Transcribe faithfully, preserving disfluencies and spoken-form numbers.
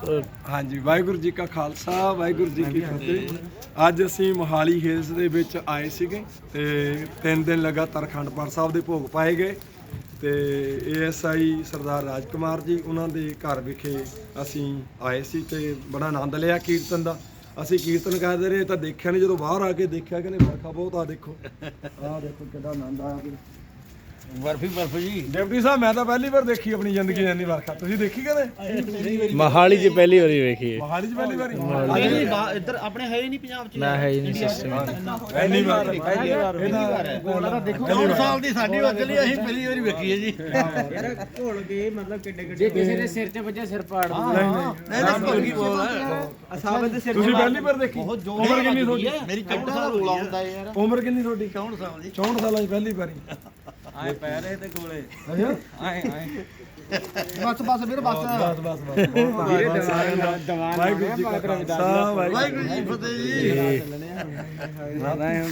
ਹਾਂਜੀ ਵਾਹਿਗੁਰੂ ਜੀ ਕਾ ਖਾਲਸਾ ਵਾਹਿਗੁਰੂ ਜੀ ਕੀ ਫਤਿਹ। ਅੱਜ ਅਸੀਂ ਮੋਹਾਲੀ ਹਿਲਸ ਦੇ ਵਿੱਚ ਆਏ ਸੀਗੇ ਤੇ ਤਿੰਨ ਦਿਨ ਲਗਾਤਾਰ ਅਖੰਡ ਪਾਠ ਸਾਹਿਬ ਦੇ ਭੋਗ ਪਾਏ ਗਏ ਤੇ ਏਐਸਆਈ ਸਰਦਾਰ ਰਾਜਕੁਮਾਰ ਜੀ ਉਹਨਾਂ ਦੇ ਘਰ ਵਿਖੇ ਅਸੀਂ ਆਏ ਸੀ ਤੇ ਬੜਾ ਆਨੰਦ ਲਿਆ ਕੀਰਤਨ ਦਾ। ਅਸੀਂ ਕੀਰਤਨ ਕਰਦੇ ਰਹੇ ਤਾਂ ਦੇਖਿਆ ਨਹੀਂ, ਜਦੋਂ ਬਾਹਰ ਆ ਕੇ ਦੇਖਿਆ ਕਿ ਵਰਖਾ ਬਹੁਤ ਆ। ਦੇਖੋ ਆਹ ਦੇਖੋ ਕਿੰਨਾ ਆਨੰਦ ਆਇਆ। ਬਰਫੀ ਬਰਫ ਜੀ ਡਿਪਟੀ ਸਾਹਿਬ ਮੈਂ ਤਾਂ ਪਹਿਲੀ ਵਾਰ ਦੇਖੀ ਆਪਣੀ ਜ਼ਿੰਦਗੀ ਇੰਨੀ ਵਰਖਾ। ਤੁਸੀਂ ਦੇਖੀ ਕਦੇ? ਮੋਹਾਲੀ 'ਚ ਪਹਿਲੀ ਵਾਰੀ ਵੇਖੀ ਹੈ। ਮੋਹਾਲੀ 'ਚ ਪਹਿਲੀ ਵਾਰੀ? ਇੱਧਰ ਆਪਣੇ ਹੈ ਹੀ ਨਹੀਂ ਪੰਜਾਬ 'ਚ। ਨਾ ਹੈ ਹੀ ਨਹੀਂ ਸਿਸਟਮ। ਪਹਿਲੀ ਵਾਰ ਇਹਦਾ ਦੇਖੋ ਚੌਂਹਠ ਸਾਲ ਦੀ ਸਾਡੀ ਵਕਲੀ ਅਸੀਂ ਪਹਿਲੀ ਵਾਰੀ ਵੇਖੀ ਹੈ ਜੀ। ਯਾਰ ਘੋਲ ਕੇ ਮਤਲਬ ਕਿੱਡੇ ਕਿੱਡੇ ਜੇ ਕਿਸੇ ਦੇ ਸਿਰ 'ਚ ਵੱਜੇ ਸਿਰ ਪਾੜ ਦੂਗਾ। ਨਹੀਂ ਨਹੀਂ ਨਹੀਂ ਨਹੀਂ ਕੀ ਬੋਲ ਅਸਾਬਤ ਦੇ ਸਿਰ ਤੁਸੀਂ ਪਹਿਲੀ ਵਾਰ ਦੇਖੀ? ਬਹੁਤ ਜ਼ੋਰ ਉਮਰ ਕਿੰਨੀ ਤੁਹਾਡੀ? ਮੇਰੀ ਚੌਂਹਠ ਸਾਲ ਰੋਲਾ ਹੁੰਦਾ ਯਾਰ। ਉਮਰ ਕਿੰਨੀ ਤੁਹਾਡੀ? ਚੌਂਹਠ ਸਾਲ ਦੀ। ਚੌਂਹਠ ਸਾਲਾਂ 'ਚ ਪਹਿਲੀ ਵਾਰੀ। ਆਏ ਪੈ ਰਹੇ ਤੇ ਗੋਲੇ ਅੱਛਾ ਆਏ ਆਏ ਬਸ ਬਸ ਵੀਰ ਬਸ ਬਸ ਬਸ ਬਸ ਵਾਹਿਗੁਰੂ ਜੀ ਕਾ ਖਾਲਸਾ ਵਾਹਿਗੁਰੂ ਵਾਹਿਗੁਰੂ ਜੀ ਫਤਿਹ ਜੀ।